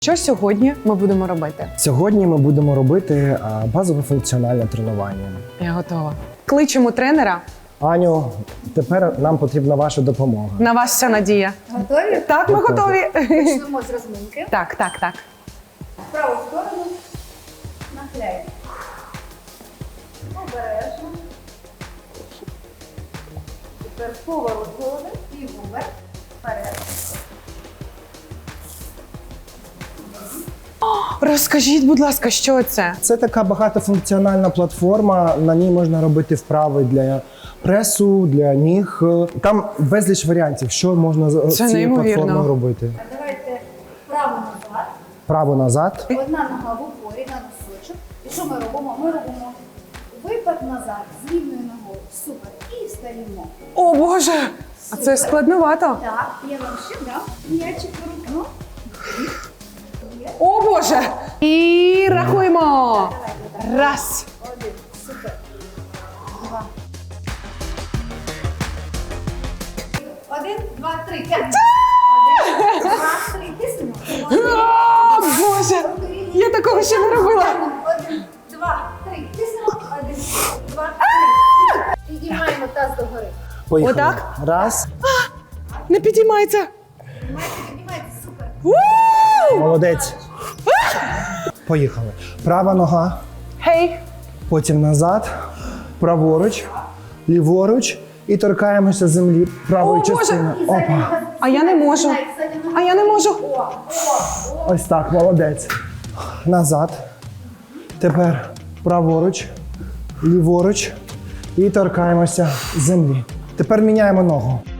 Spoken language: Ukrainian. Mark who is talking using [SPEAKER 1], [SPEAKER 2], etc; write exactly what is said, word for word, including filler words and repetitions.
[SPEAKER 1] Що сьогодні ми будемо робити?
[SPEAKER 2] Сьогодні ми будемо робити а, базове функціональне тренування.
[SPEAKER 1] Я готова. Кличемо тренера.
[SPEAKER 2] Аню, тепер нам потрібна ваша допомога.
[SPEAKER 1] На вас вся надія.
[SPEAKER 3] Готові?
[SPEAKER 1] Так, ми
[SPEAKER 2] Готові.
[SPEAKER 1] готові.
[SPEAKER 3] Почнемо з розминки.
[SPEAKER 1] Так, так, так.
[SPEAKER 3] В праву сторону нахиляємо. Обережно. Тепер поворот голови і вверх, вперед.
[SPEAKER 1] Розкажіть, будь ласка, що це?
[SPEAKER 2] Це така багатофункціональна платформа. На ній можна робити вправи для пресу, для ніг. Там безліч варіантів, що можна з
[SPEAKER 1] Це
[SPEAKER 2] цією
[SPEAKER 1] неймовірно.
[SPEAKER 2] платформою робити.
[SPEAKER 3] А давайте вправо назад.
[SPEAKER 2] Право назад.
[SPEAKER 3] Одна нога в упорі на носочок. І що ми робимо? Ми робимо випад назад з рівною ногою. Супер. І встаємо.
[SPEAKER 1] О, Боже! А це складновато.
[SPEAKER 3] Так, я вам ще дам м'ячик в руку. Ну,
[SPEAKER 1] О, Боже! І рахуємо.
[SPEAKER 3] давайте, так.
[SPEAKER 1] Раз.
[SPEAKER 3] Один. Супер. Два. Один, два, три. П'ять. Один, два, три. Тиснемо.
[SPEAKER 1] О, Боже! Я такого ще не робила.
[SPEAKER 3] Один, два, три. Тиснемо. Один, два, три. Підіймаємо таз догори.
[SPEAKER 2] Поїхали.
[SPEAKER 1] Отак?
[SPEAKER 2] Раз.
[SPEAKER 1] Не підіймається.
[SPEAKER 3] Піднімайте, піднімайте. Супер.
[SPEAKER 1] У!
[SPEAKER 2] Молодець. Поїхали. Права нога,
[SPEAKER 1] Гей!
[SPEAKER 2] потім назад, праворуч, ліворуч і торкаємося землі правою
[SPEAKER 1] О, Боже!
[SPEAKER 2] частиною. Опа.
[SPEAKER 1] А я не можу. А я не можу.
[SPEAKER 2] Ось так, молодець. Назад. Тепер праворуч, ліворуч і торкаємося землі. Тепер міняємо ногу.